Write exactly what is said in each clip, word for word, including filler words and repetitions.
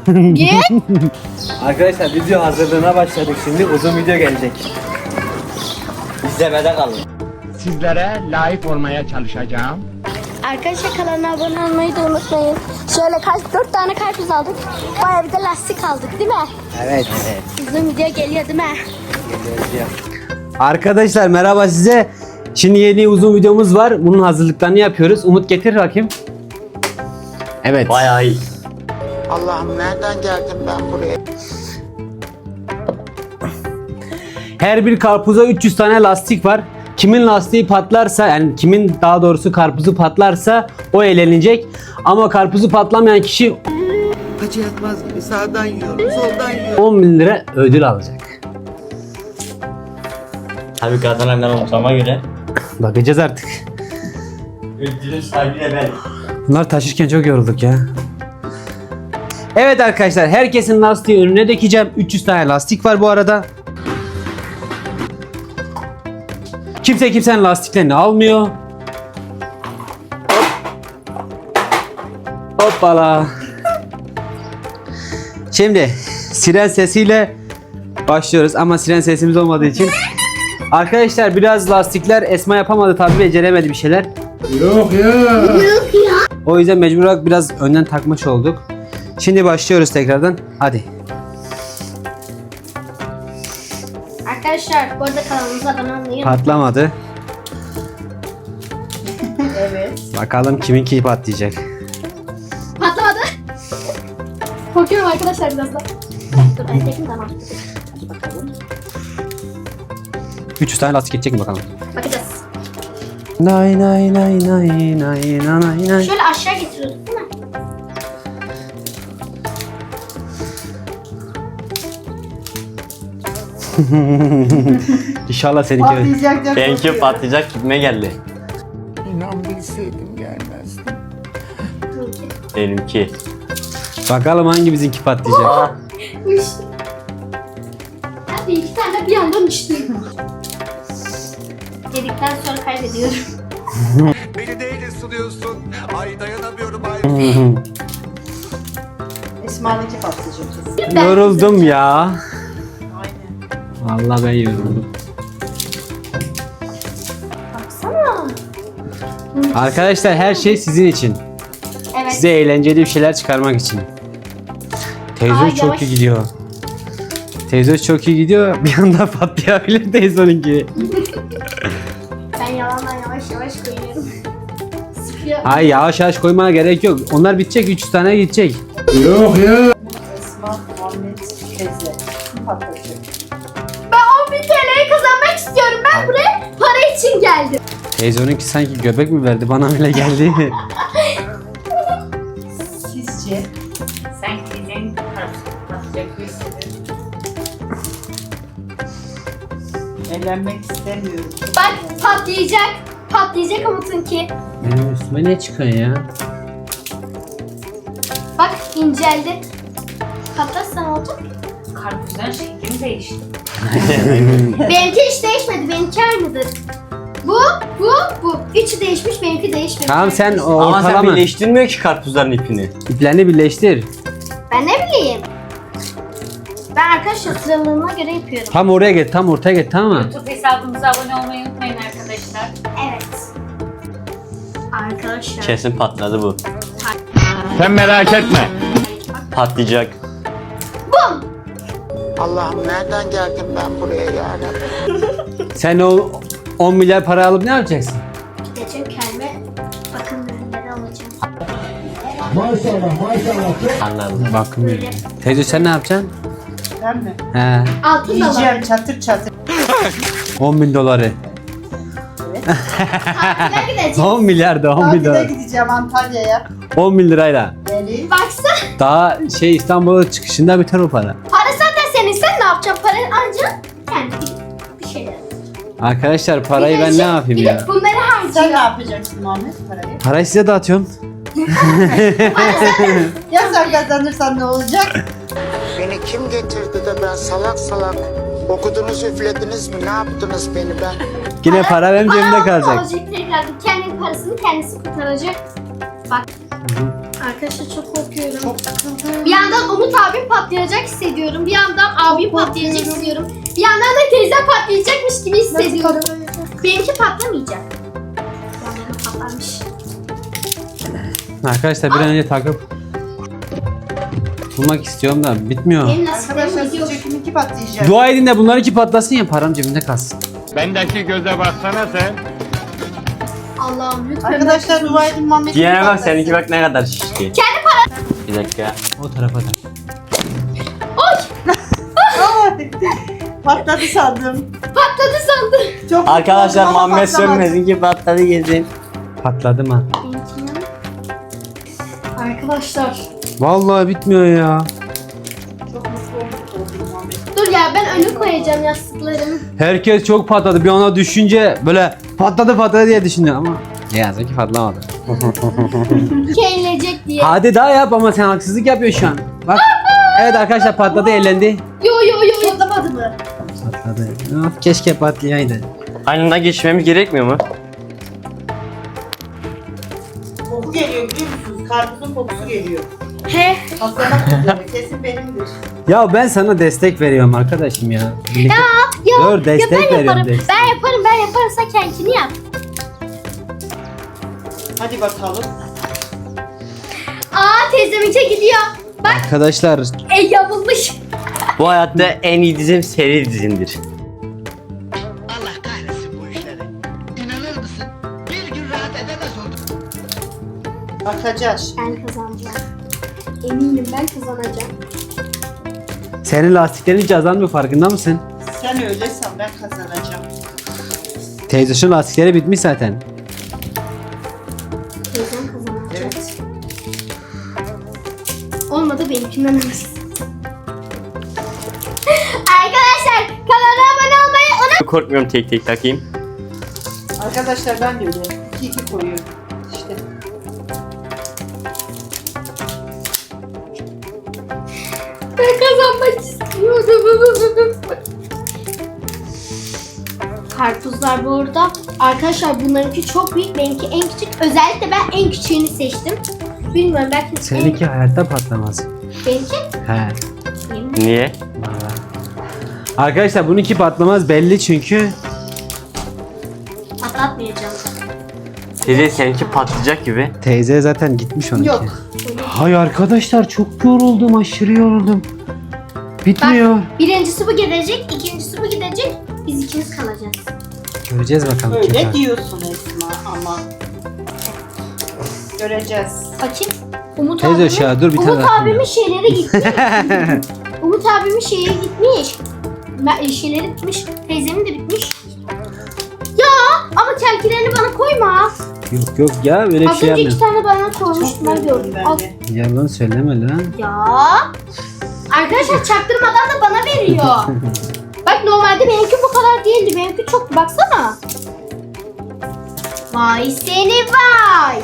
Git. Arkadaşlar video hazırlığına başladık şimdi. Uzun video gelecek. İzlemede kalın. Sizlere layık olmaya çalışacağım. Arkadaşlar kanalına abone olmayı da unutmayın. Şöyle kaç dört tane karpuz aldık. Bayağı bir de lastik aldık değil mi? Evet. Evet. Uzun video geliyor değil mi? Arkadaşlar merhaba size. Şimdi yeni uzun videomuz var. Bunun hazırlıklarını yapıyoruz. Umut getir bakayım. Evet. Bayağı iyi. Allah'ım nereden geldim ben buraya? Her bir karpuza üç yüz tane lastik var. Kimin lastiği patlarsa, yani kimin daha doğrusu karpuzu patlarsa o eğlenecek. Ama karpuzu patlamayan kişi Acı yatmaz gibi sağdan yiyorum, soldan yiyorum. on bin lira ödül alacak. Tabii kazanan ben olacağıma göre. Bakacağız artık. Ödülün sahibi de ben. Bunlar taşırken çok yorulduk ya. Evet arkadaşlar, herkesin lastiği önüne dikeceğim. üç yüz tane lastik var bu arada. Kimse kimsenin lastiklerini almıyor. Hop. Hoppala. Şimdi siren sesiyle başlıyoruz ama siren sesimiz olmadığı için. Arkadaşlar biraz lastikler Esma yapamadı tabii, beceremedi bir şeyler. Yok ya. O yüzden mecbur olarak biraz önden takmış olduk. Şimdi başlıyoruz tekrardan. Hadi. Arkadaşlar bu arada kanalımıza abone olmayı unutmayın. Patlamadı. Evet. Bakalım kiminki patlayacak. Patlamadı. Korkuyorum arkadaşlar biraz da. Dur ben çekeyim tamam. üç yüz tane lastik geçecek mi bakalım. Bakacağız. Nay nay nay nay nay nay nay. Şöyle aşağı getiriyorduk değil mi? İnşallah seninki. Benimki patlayacak gitme geldi. İnan bilseydim gelmezdim. Benimki. Bakalım hangi bizimki patlayacak. Uçtu. Hadi iki tane bir yandan uçtu. Yedikten sonra kaybediyorum. Beni neyle suluyorsun? Ay dayanamıyorum ay. Esma'nınki patlayacak kesin. Yoruldum ya. Aynen. Vallahi ben yoruldum. Baksana. Arkadaşlar her şey sizin için. Evet. Size eğlenceli bir şeyler çıkarmak için. Teyze Aa, çok yavaş. iyi gidiyor. Teyze çok iyi gidiyor. Bir anda patlayabilir teyzeninki. Ben yalandan yavaş yavaş koyuyorum. Sıkıyor. Ay yavaş yavaş koymana gerek yok. Onlar bitecek, üç yüz tane gidecek. Yok ya. Esma, Muhammed, teyze. Kim patlayacak? Ben on bin T L'yi kazanmak istiyorum. Ben buraya para için geldim. Teyze onunki sanki göbek mi verdi? Bana öyle geldi. Sizce? Sen gideceksin, patlayacak bir hissediyorum. Evlenmek istemiyorum. Bak patlayacak. Patlayacak Umut'unki. Benim üstüme ne çıkıyor ya? Bak inceldi. Patlarsa ne olacak? Karpuzların şekli mi değişti? Benimki hiç değişmedi. Benimki aynıdır. Bu, bu, bu. Üçü değişmiş, benimki değişmemiş. Tamam sen o Ama sen ortalama birleştirmiyor ki karpuzların ipini. iplerini birleştir. Ben ne bileyim. Ben arkadaşlar sıralığına göre yapıyorum. Tam oraya get, tam ortaya get, tamam mı? YouTube hesabımıza abone olmayı unutmayın arkadaşlar. Evet. Arkadaşlar. Kesin patladı bu. Sen merak etme. Patlayacak. Bum. Allah'ım nereden geldim ben buraya yarabbim? Sen o on milyar para alıp ne yapacaksın? Gideceğim kendime bakım ürünleri alacağım. Anladım. Bakın ürünü. Teyze sen ne yapacaksın? Ben mi? He. Altın da var. Yiyeceğim çatır çatır. on bin doları. Tatile gideceğim. on milyar da on bin Tatile dolar. gideceğim Antalya'ya. on bin lirayla. Geleyim. Baksana. Daha şey İstanbul'a çıkışında biter o para. Para zaten senin. Sen ne yapacaksın? Parayı ancak kendi bir şeyler. Arkadaşlar parayı ben ne Gidecek, yapayım gidip ya? bunları Sen ne harcıyor. yapacaksın Muhammed parayı? Parayı size dağıtıyorum. Ya sen kazanırsan ne olacak? Beni kim getirdi de ben salak salak okudunuz üflediniz mi ne yaptınız beni ben? Yine para benim cebimde Bana kalacak. olacak tekrar. Kendi parasını kendisi kurtaracak. Bak. Arkadaşlar çok korkuyorum. Çok sıkıldım. Bir yandan Umut abim patlayacak hissediyorum. Bir yandan abim patlayacak hissediyorum. Bir yandan da teyzem patlayacakmış gibi hissediyorum. Benimki patlamayacak. Yanlarına patlarmış. Arkadaşlar bir an önce takıp bulmak istiyorum da bitmiyor. Benim lastiklerim Arkadaşlar gidiyor. sizce kiminki patlayacak? Dua edin de bunlar iki patlasın ya param cebimde kalsın. Bendeki göze baksana sen. Allah'ım lütfen. Arkadaşlar dua edin Muhammed'in Diğerine bak, patlasın. seninki bak ne kadar şişti. Kendi para. Bir dakika. O tarafa da. Ay, patladı sandım. Patladı sandım. Çok Arkadaşlar korktum ama Muhammed patlamadı. Sönmez'in ki patladı gezin. Patladım ha. Benimkinin. Arkadaşlar. Vallahi bitmiyor ya. Çok mutlu oldum Muhammed. Dur ya ben önü koyacağım yastıklarımı. Herkes çok patladı. Bir ona düşünce böyle patladı patladı diye düşündü ama ne yazık ki patlamadı. Keylecek diye. Hadi daha yap ama sen haksızlık yapıyorsun şu an. Bak. Evet arkadaşlar patladı eğlendi. Yo yo yo yo. Patlamadı mı? Patladı. Of, keşke patlayaydı. Aynından geçmemiz gerekmiyor mu? Koku geliyor biliyor musunuz? Karpuzun kokusu geliyor. He. Patlamak üzere. Kesin benimdir. Ya ben sana destek veriyorum arkadaşım ya. Birlikte- Ya, Dur, destek ya ben veriyorum, yaparım. destek. Ben yaparım ben yaparım sen kendini yap. Hadi bakalım. Aa teyzemince gidiyor. Bak Arkadaşlar e yamulmuş. Bu hayatta en iyi dizim seri dizimdir. Allah kahretsin bu işleri. İnanır mısın? Bir gün rahat edemez oldum. Bakacağız. Ben kazanacağım. Eminim ben kazanacağım. senin lastiklerin hiç azalmıyor farkında mısın? Sen öyle san ben kazanacağım. Teyze şu lastikleri bitmiş zaten. Teyzem kazanacak. Evet. Olmadı benimkinden alırız. Arkadaşlar kanala abone olmayı unutmayın. Korkmuyorum, tek tek takayım. Arkadaşlar ben de öyle. İki iki koyuyorum. İşte. Ben kazanmak istiyorum. Karpuzlar bu arada. Arkadaşlar bunlarınki çok büyük. Benimki en küçük. Özellikle ben en küçüğünü seçtim. Bilmiyorum belki Seninki hayatta patlamaz. en... Benimki? He. Yemin. Niye? Vallahi. Arkadaşlar bununki patlamaz belli çünkü. Atlatmayacağım. Teyze seninki patlayacak gibi. Teyze zaten gitmiş onunki. Yok. Hay arkadaşlar çok yoruldum, aşırı yoruldum. Bitmiyor. Birincisi bu gidecek. İkincisi bu gidecek. Biz ikimiz kalacağız. Göreceğiz bakalım kim Öyle var. diyorsun Esma ama. Göreceğiz. Bakayım. Umut Teyze abimin, aşağı dur, bir tane Umut daha abimin koyalım. şeyleri gitti. Umut abimin şeyi gitmiş. Me- Şeyleri bitmiş. Teyzemin de bitmiş. Ya ama kelkilerini bana koyma. Yok yok ya öyle bir Az şey önce iki yapmıyorum. tane bana koymuştum. Çok Ben yoruldum gördüm. ben Al. de. Yalan söyleme lan. Ya. Arkadaşlar çaktırmadan da bana veriyor. Bak normalde benimki bu kadar değildi. Benimki çok. Baksana. Vay seni vay.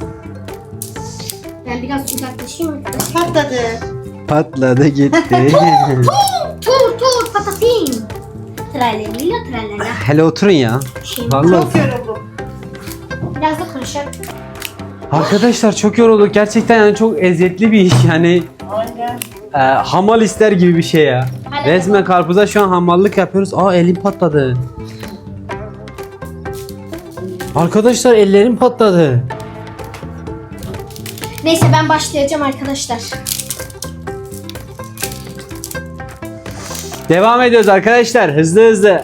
Ben biraz uzaklaşayım arkadaşlar. Patladı. Patladı gitti. Tur tur patatin. Tralalila tralala. Hele oturun ya. Şey, Vallahi. Çok yoruldum. biraz da konuşalım. Arkadaşlar çok yorulduk. Gerçekten yani çok eziyetli bir iş yani. Aynen. e, hamal ister gibi bir şey ya. Hadi Resmen karpuza şu an hamallık yapıyoruz. Aa elim patladı. Arkadaşlar ellerim patladı. Neyse ben başlayacağım arkadaşlar. Devam ediyoruz arkadaşlar. Hızlı hızlı.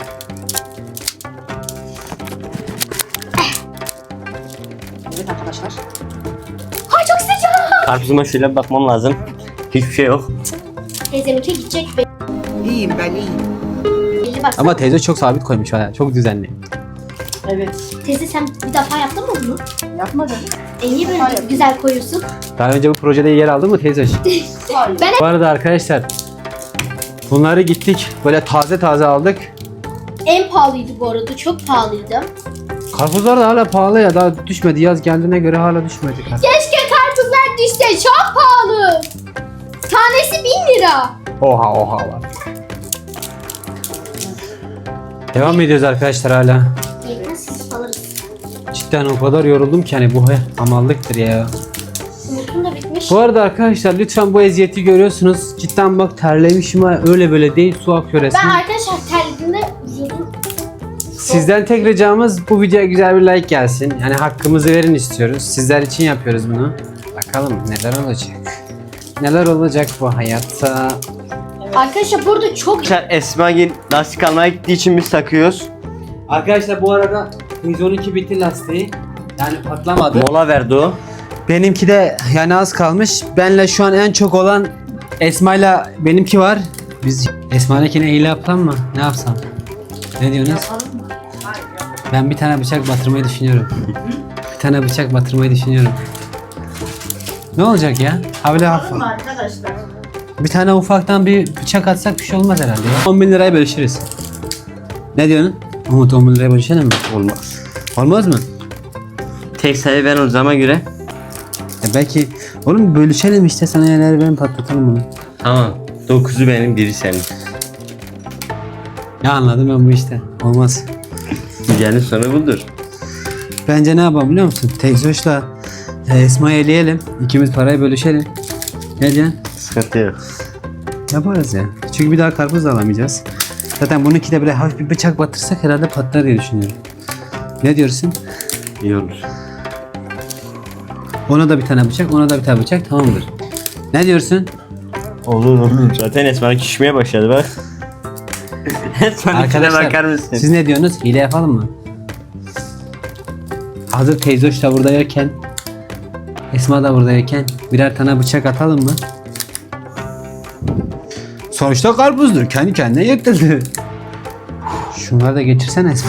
Evet arkadaşlar. Ay çok sıcak. Karpuzuma şöyle bir bakmam lazım. Hiçbir şey yok. Teyzeminki gidecek İyiyim ben iyiyim. belli bak. Ama teyze çok sabit koymuş. ha, Çok düzenli. Evet. Teyze sen bir defa yaptın mı bunu? Yapmadım. E niye böyle Hayır. güzel koyuyorsun? Daha önce bu projede yer aldın mı teyze? Hayır. Ben Bu arada arkadaşlar bunları gittik böyle taze taze aldık. en pahalıydı bu arada. Çok pahalıydı. Karpuzlar da hala pahalı ya, daha düşmedi. Yaz geldiğine göre hala düşmedi. Keşke karpuzlar düşse. Çok pahalı. Tanesi bin lira. Oha oha var. Devam ediyoruz arkadaşlar hala. Yetmez alırız. Cidden o kadar yoruldum ki hani bu he- hamallıktır ya. Umut'un da bitmiş. Bu arada arkadaşlar lütfen bu eziyeti görüyorsunuz. Cidden bak terlemişim ha, öyle böyle değil, su akıyor Ben resmen. arkadaşlar terlediğimde yüzüm Sizden tek ricamız bu videoya güzel bir like gelsin. Yani hakkımızı verin istiyoruz. Sizler için yapıyoruz bunu. Bakalım neler olacak. Neler olacak bu hayatta. Arkadaşlar burada çok Arkadaşlar Esma Gil lastik almaya gittiği için biz takıyoruz. Arkadaşlar bu arada yüz on iki bitti lastiği. Yani patlamadı. Mola verdi o. Benimki de yani az kalmış. Benle şu an en çok olan Esma'yla benimki var. Biz Esma'nınkine hile yapalım mı? Ne yapsam? Ne diyorsunuz? Yapalım mı? Hayır yok. Ben bir tane bıçak batırmayı düşünüyorum. Bir tane bıçak batırmayı düşünüyorum. Ne olacak ya? Ha böyle Yapalım hafif. mı arkadaşlar? Bir tane ufaktan bir bıçak atsak bir şey olmaz herhalde ya. on bin liraya bölüşürüz. Ne diyorsun? Umut on bin liraya bölüşelim mi? Olmaz. Olmaz mı? Tek sayı ben olacağıma göre. E belki oğlum bölüşelim işte, sana yerleri ben patlatalım bunu. Tamam. Dokuzu benim, biri senin. Ya anladım ben bu işte. Olmaz. Güzelin sonu budur. Bence ne yapalım biliyor musun? Tekzoş'la e, Esma'yı eleyelim. İkimiz parayı bölüşelim. Ne diyorsun? Sıkıntı yok. Yaparız ya. Çünkü bir daha karpuz da alamayacağız. Zaten bununki de böyle hafif bir bıçak batırsak herhalde patlar diye düşünüyorum. Ne diyorsun? İyi olur. Ona da bir tane bıçak, ona da bir tane bıçak, tamamdır. Ne diyorsun? Olur olur. Zaten Esma küçmeye başladı bak. Esma'nınkine bakar mısın? siz ne diyorsunuz? Hile yapalım mı? Hazır teyzoş da burada yokken, Esma da burada yokken birer tane bıçak atalım mı? Sonuçta karpuzdur. Kendi kendine yırtıldı. Şunları da geçirsene Esma.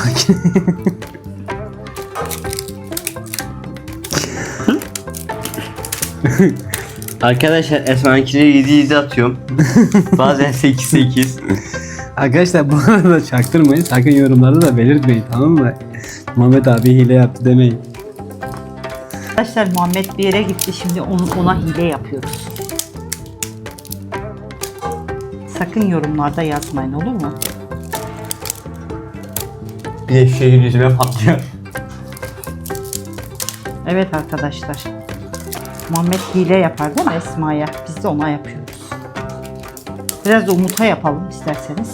Arkadaşlar Esma'nınkine yedi yedi atıyorum. Bazen sekiz sekiz. Arkadaşlar bu arada çaktırmayın. Sakın yorumlarda da belirtmeyin, tamam mı? Muhammed abi hile yaptı demeyin. Arkadaşlar Muhammed bir yere gitti, şimdi onu, ona hile yapıyoruz. Sakın yorumlarda yazmayın, olur mu? Bir de şehir yüzüme patlıyor. Evet arkadaşlar. Muhammed hile yapar değil mi Esma'ya? Biz de ona yapıyoruz. Biraz da Umut'a yapalım isterseniz.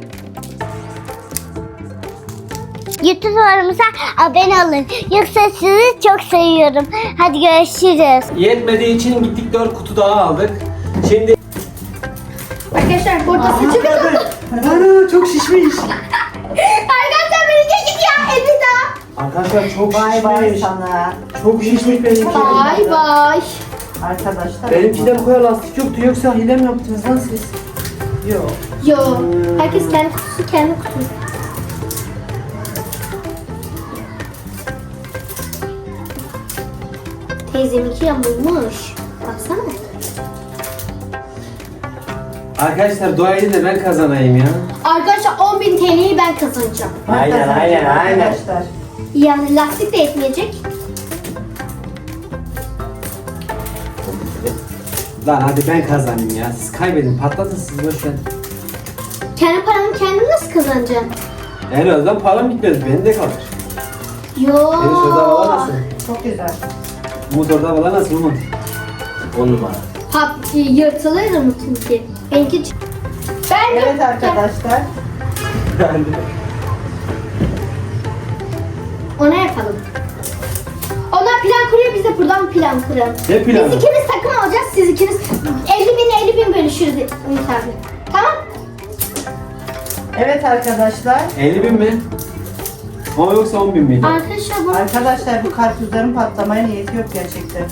YouTube'larımıza abone olun. Yoksa sizi çok seviyorum. Hadi görüşürüz. Yetmediği için gittik dört kutu daha aldık. Şimdi arkadaşlar burada saçımı ana çok şişmiş. arkadaşlar benimki gidiyor elbida. Arkadaşlar çok Bay bay sana. Çok şişmiş benimki. Bay bay. Arkadaşlar. Benimki de bu kadar lastik yoktu, yoksa hile mi yaptınız lan siz? Yok. Yo. Herkes kendi kutusu kendi kutusu. Teyzeminki yamulmuş. Baksana. Arkadaşlar dua edin de ben kazanayım ya. Arkadaşlar on bin T L'yi ben kazanacağım. Aynen, aynen, aynen. Arkadaşlar. Yani lastik de yetmeyecek. Lan hadi ben kazanayım ya. Siz kaybedin, patlatın siz boş ver. Kendi paramı kendim nasıl kazanacağım? En azından param gitmez, benim de kalır. Yo. Senin şurada hava nasıl? Çok güzel. Umut orada hava nasıl Umut? On numara. Pat, yırtılır mı çünkü? Benimki... Ben Evet arkadaşlar. Ona yapalım. Onlar plan kuruyor, biz de buradan plan kuralım. Ne planı? Biz ikimiz takım olacağız, siz ikiniz elli bin elli bin bölüşürüz Ümit abi. Tamam? Evet arkadaşlar. elli bin mi? O yoksa on bin miydi? Arkadaşlar bu... Arkadaşlar bu karpuzların patlamaya niyeti yok gerçekten.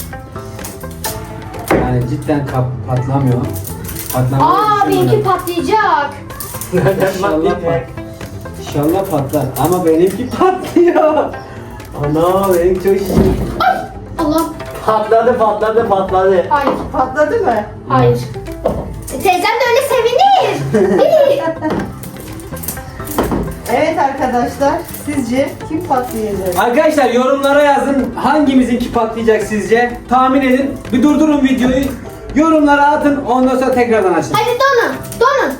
Yani cidden kap patlamıyor. Patlamıyor. Aa benimki patlayacak. İnşallah pat. İnşallah patlar. Ama benimki patlıyor. Ana benimki çok şişmiş. Allah. Patladı patladı patladı. Ay Patladı mı? hayır. E, teyzem de öyle sevinir. Evet arkadaşlar. Sizce kim patlayacak? Arkadaşlar yorumlara yazın hangimizinki patlayacak sizce? Tahmin edin. Bir durdurun videoyu. Yorumlara atın, ondan sonra tekrardan açın. Hadi donun. Donun.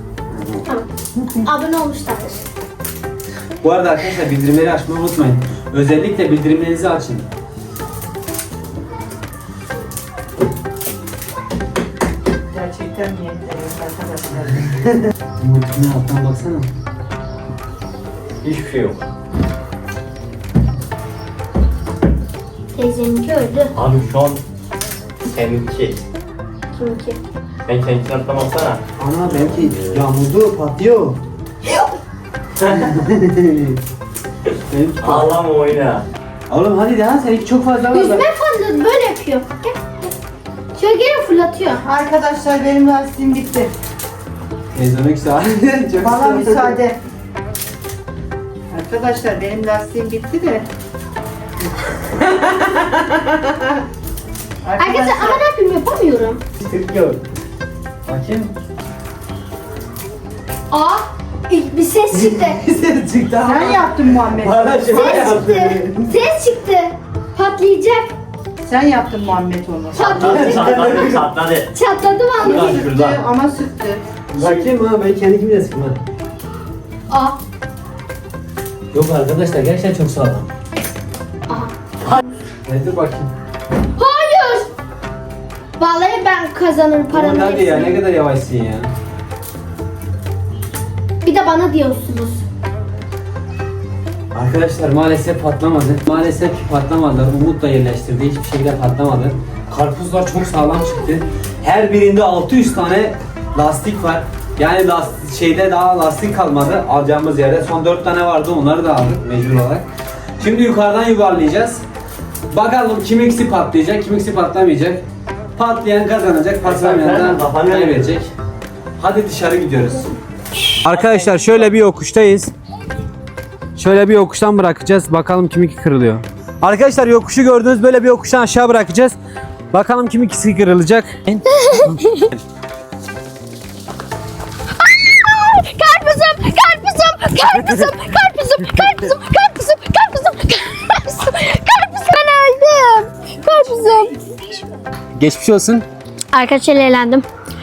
Tamam. Abone olmuşlardır. Bu arada arkadaşlar bildirimleri açmayı unutmayın. Özellikle bildirimlerinizi açın. Gerçekten niyetliyim arkadaşlar. Yumurtanın alttan baksana. Hiçbir şey yok. Teyzeminki öldü. Abi şu an seninki. Kiminki? Ben seninkini atlamasana. Ana belki yağmurdu, patlıyor. Benimki pat- Ağlama oyna. Oğlum hadi daha seninki çok fazla var. Yüzme fırladı böyle yapıyor. Gel, gel. Şöyle geri fırlatıyor. Arkadaşlar benim lastiğim bitti. Teyzemek sağ. Çok Bana sağ ol. müsaade. Arkadaşlar benim lastiğim bitti de. Arkadaşlar ama ne yapayım yapamıyorum. Tıklıyor. Bakayım. Aa ilk bir ses çıktı. Ses çıktı ama. Sen yaptın Muhammed. Bana şey Ses yaptı. çıktı. Ses çıktı. Patlayacak. Sen yaptın Muhammed onu. Patlayacak. Çatladı çatladı. Çatladı Şuradan vallahi. şuradan. Ama sıktı. Bakayım ha ben kendi kimle sıkma. Aa. Yok arkadaşlar gerçekten çok sağlam. Aha. Hadi dur bakayım. Hayır. Vallahi ben kazanırım paranın Aman hadi ya ne hepsini. kadar yavaşsın ya. Bir de bana diyorsunuz. Arkadaşlar maalesef patlamadı. Maalesef ki patlamadılar. Umut da yerleştirdi. Hiçbir şekilde patlamadı. Karpuzlar çok sağlam çıktı. Her birinde altı yüz tane lastik var. Yani lastik, şeyde daha lastik kalmadı alacağımız yerde. Son dört tane vardı onları da aldık mecbur olarak. Şimdi yukarıdan yuvarlayacağız. Bakalım kimiksi patlayacak, kimiksi patlamayacak. Patlayan kazanacak, patlamayan da kaybedecek. Hadi dışarı gidiyoruz. Arkadaşlar şöyle bir yokuştayız. Şöyle bir yokuştan bırakacağız. Bakalım kiminki kırılıyor. Arkadaşlar yokuşu gördüğünüz böyle bir yokuştan aşağı bırakacağız. Bakalım kiminkisi kırılacak. Karpuzum, karpuzum, karpuzum, karpuzum, karpuzum, karpuzum, karpuzum, karpuzum, karpuz ben öldüm. Karpuzum. Geçmiş olsun. Arkadaşlar eğlendim.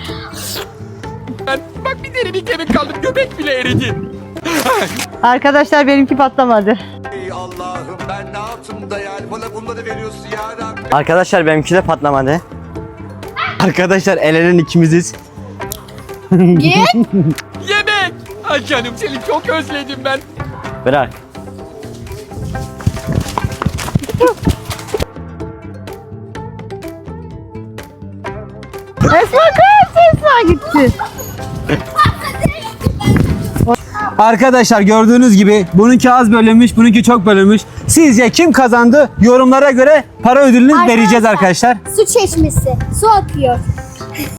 Bak bir deri bir kemik kaldı. Göbek bile eridi. Arkadaşlar benimki patlamadı. Ey Allah'ım ben ne yaptım da yani bana bunları veriyorsun ya Rabbi. Arkadaşlar benimki de patlamadı. Arkadaşlar el elen ikimiziz. Yemek. Ay canım seni çok özledim ben. Bırak. Esma kız Esma gitti. Arkadaşlar gördüğünüz gibi bununki az bölünmüş, bununki çok bölünmüş. Sizce kim kazandı? Yorumlara göre para ödülünü vereceğiz arkadaşlar. Su çeşmesi, su akıyor.